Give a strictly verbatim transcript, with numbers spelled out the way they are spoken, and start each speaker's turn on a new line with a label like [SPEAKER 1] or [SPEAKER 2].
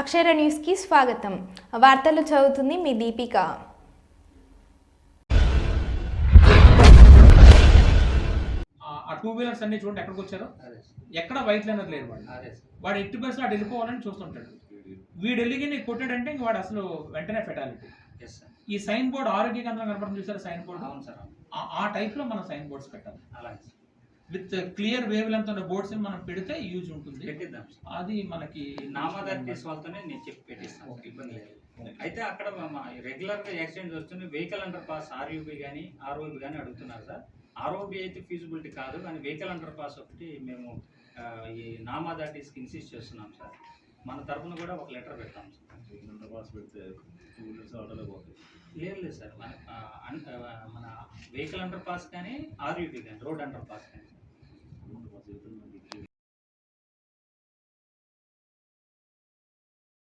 [SPEAKER 1] అక్షర న్యూస్కి స్వాగతం. వార్తలు చదువుతుంది మీ దీపిక.
[SPEAKER 2] ఆ టూ వీలర్స్ అన్ని చూడండి ఎక్కడికి వచ్చారో, ఎక్కడ వైట్ లైనర్ లేరు. వాడు వాడు ఎట్టి బస్సు అటు వెళ్ళిపోవాలని చూస్తుంటాడు. వీడు వెళ్ళి నీకు కొట్టాడంటే ఇంక వాడు అసలు వెంటనే ఫెటాలిటీ. ఈ సైన్ బోర్డ్ ఆరోగ్య కేంద్రం కనపడడం చూసారా? సైన్ బోర్డ్ ఆ టైప్ లో మనం సైన్ బోర్డ్స్ పెట్టాలి. విత్ క్లియర్ వేవ్ లెంత్ ఉన్న బోర్డ్స్ మనం పెడితే యూజ్ ఉంటుంది. అది మనకి
[SPEAKER 3] నామదారి వాళ్ళతోనే నేను చెప్పి పెట్టిస్తాను, ఇబ్బంది లేదు. అయితే అక్కడ రెగ్యులర్ గా యాక్సిడెంట్స్ వస్తుంది. వెహికల్ అండర్ పాస్ ఆర్యూబీ కానీ ఆర్ఓబీ కానీ అడుగుతున్నారు సార్. ఆర్ఓబీ అయితే ఫీజిబిలిటీ కాదు, కానీ వెహికల్ అండర్ పాస్ ఒకటి మేము ఈ నామాదాటిస్కి ఇన్సిస్ట్ చేస్తున్నాం సార్. మన తరఫున కూడా ఒక లెటర్ పెడతాం సార్. అండర్ పాస్ పెడితే లేదు లేదు సార్, మన మన వెహికల్ అండర్ పాస్ కానీ ఆర్యూబీ కానీ రోడ్ అండర్ పాస్ కానీ